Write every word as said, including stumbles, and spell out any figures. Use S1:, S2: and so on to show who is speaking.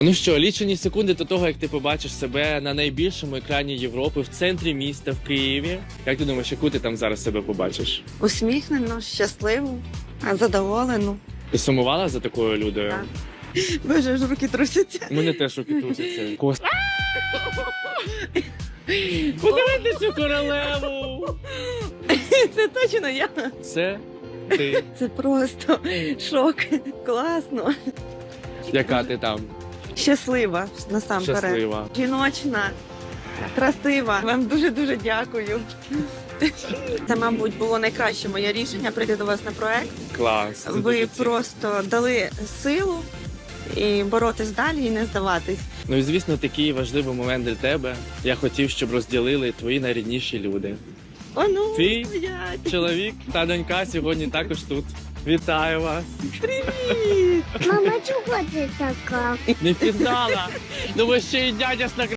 S1: Ну що, лічені секунди до того, як ти побачиш себе на найбільшому екрані Європи в центрі міста, в Києві. Як ти думаєш, яку ти там зараз себе побачиш?
S2: Усміхнену, щасливу, задоволену.
S1: Ти сумувала за такою Людою?
S2: Так. Боже, аж руки трусяться.
S1: У мене теж руки трусяться. Кос... Подивись цю королеву!
S2: Це точно я.
S1: Це ти.
S2: Це просто шок. Класно.
S1: Яка ти там?
S2: Щаслива насамперед.
S1: Щаслива.
S2: Жіночна, красива. Вам дуже-дуже дякую. Це, мабуть, було найкраще моє рішення прийти до вас на проект.
S1: Клас. це
S2: Ви
S1: дуже цінно.
S2: просто дали силу і боротись далі, і не здаватись.
S1: Ну і звісно, такий важливий момент для тебе. Я хотів, щоб розділили твої найрідніші люди.
S2: О, ну,
S1: Ти?
S2: стоять.
S1: Чоловік та донька сьогодні також тут. Вітаю вас.
S2: Привіт!
S3: Мама, чого ти така?
S1: Не впізнала. Ну ви ще й дядя з